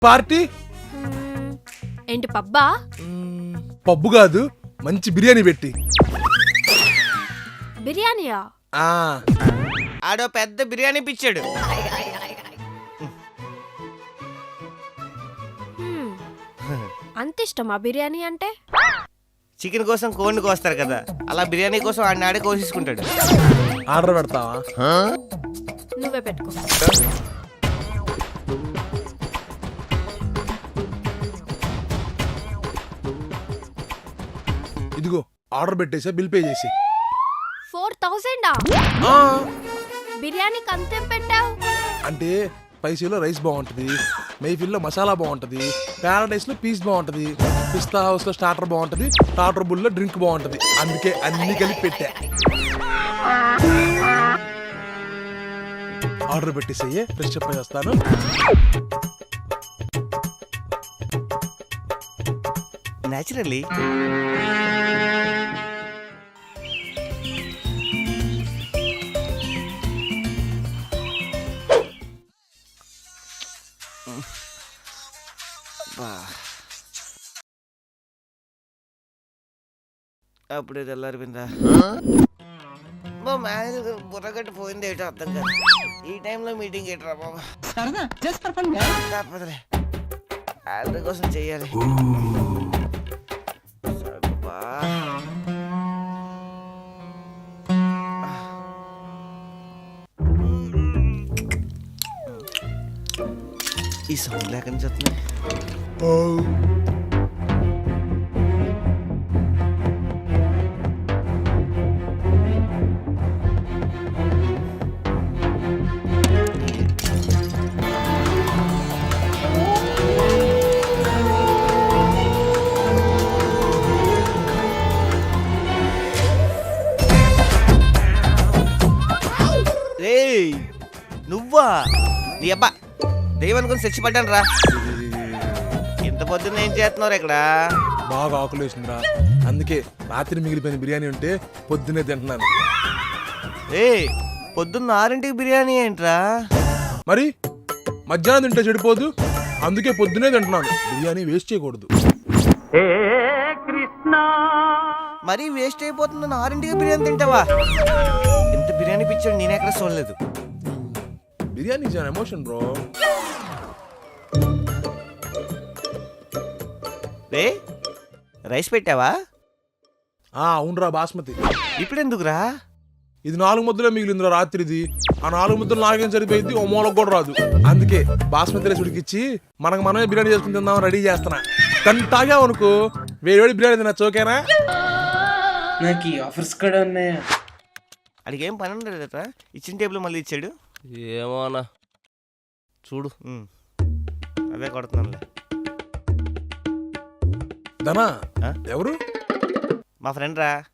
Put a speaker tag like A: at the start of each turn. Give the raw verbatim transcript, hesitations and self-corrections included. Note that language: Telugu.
A: పార్టీ
B: మ్మ్, ఏంటి పబ్బా?
A: మ్మ్, పబ్బు కాదు, మంచి బిర్యానీ పెట్టి.
B: బిర్యానీయా?
A: ఆ
C: ఆడో పెద్ద బిర్యానీ పిచ్చాడు.
B: మ్మ్, అంత ఇష్టమా బిర్యానీ అంటే?
C: చికెన్ కోసం కోడిని కోస్తారు కదా, అలా బిర్యానీ కోసం ఆడిని ఆడే కోసేసుకుంటాడు.
A: ఆర్డర్ పెడతావా?
B: నువ్వే పెట్టుకో.
A: ఇదిగో ఆర్డర్ పెట్టేసా, బిల్ పే చేసి.
B: ఫోర్ థౌజండా? బిర్యానీకి అంతేం పెట్టావు?
A: అంటే స్పైసీలో రైస్ బాగుంటది, మెయిఫిల్లో మసాలా బాగుంటది, ప్యారడైస్ లో పీస్ బాగుంటది, పిస్తా హౌస్ లో స్టార్టర్ బాగుంటది, టాటర్ బుల్ లో డ్రింక్ బాగుంటది. అందుకే అన్ని కలిపి పెట్టా. ఆర్డర్ పెట్టేసయ్యే, ఫ్రెష్ అప్ అయి వస్తాను.
C: న్యాచురల్లీ అప్పుడే తెల్లారిపోయిందా? మా మేనేజర్ బుర్రగట్టు పోయింది ఏటో అర్థం కాదు. ఈ టైంలో మీటింగ్ ఏంట్రా బాబా? తప్పదులే, ఆర్డర్ కోసం చెయ్యాలి. సబ్బా. ఈ సౌండ్ లేకని చెప్తున్నా. రేయ్ నువ్వా? నీ అబ్బా దైవం అనుకుని చచ్చిపడ్డాను రా. ఇంత పొద్దున్న ఏం చేస్తున్నావు ఇక్కడ?
A: బాగా ఆకులు వేసిందిరా, అందుకే రాత్రి మిగిలిపోయిన బిర్యానీ ఉంటే పొద్దునే తింటున్నాను.
C: ఏ పొద్దున్న ఆరింటికి బిర్యానీ ఏంట్రా?
A: మరి మధ్యాహ్నం తింటే చెడిపోదు, అందుకే పొద్దునే తింటున్నాను. బిర్యానీ వేస్ట్ చేయకూడదు.
C: మరీ వేస్ట్ అయిపోతుందని ఆరింటికి బిర్యానీ తింటావా? ఇంత బిర్యానీ పిచ్చాడు నేను ఎక్కడ చూడలేదు.
A: Biryani is an emotion bro.
C: రే రైస్ పెట్టావా?
A: ఆ అవునరా, బాస్మతి.
C: ఇప్పుడు ఎందుకురా?
A: ఇది నాలుగు ముద్దలే మిగిలిందిరా రాత్రిది. ఆ నాలుగు ముద్దలు నాలుగేం సరిపోయింది, ఓ మూలకు కూడా రాదు. అందుకే బాస్మతి రైస్ ఉడికిచ్చి మనకు మనమే బిర్యానీ చేసుకుని తిందామని రెడీ చేస్తున్నా. తను తాగావు అనుకో, వేడి వేడి బిర్యానీ తిన్నా చోకేనా?
D: నాకు ఈ ఆఫర్స్ కూడా ఉన్నాయా?
C: అడిగి ఏం పని ఉండదు, ఇచ్చిన టేబుల్ మళ్ళీ ఇచ్చాడు.
E: ఏమోనా చూడు.
C: ఉమ్, అదే కొడుతున్నానులే.
A: ధనా
C: ఆ?
A: ఎవరు?
C: మా ఫ్రెండ్ రా.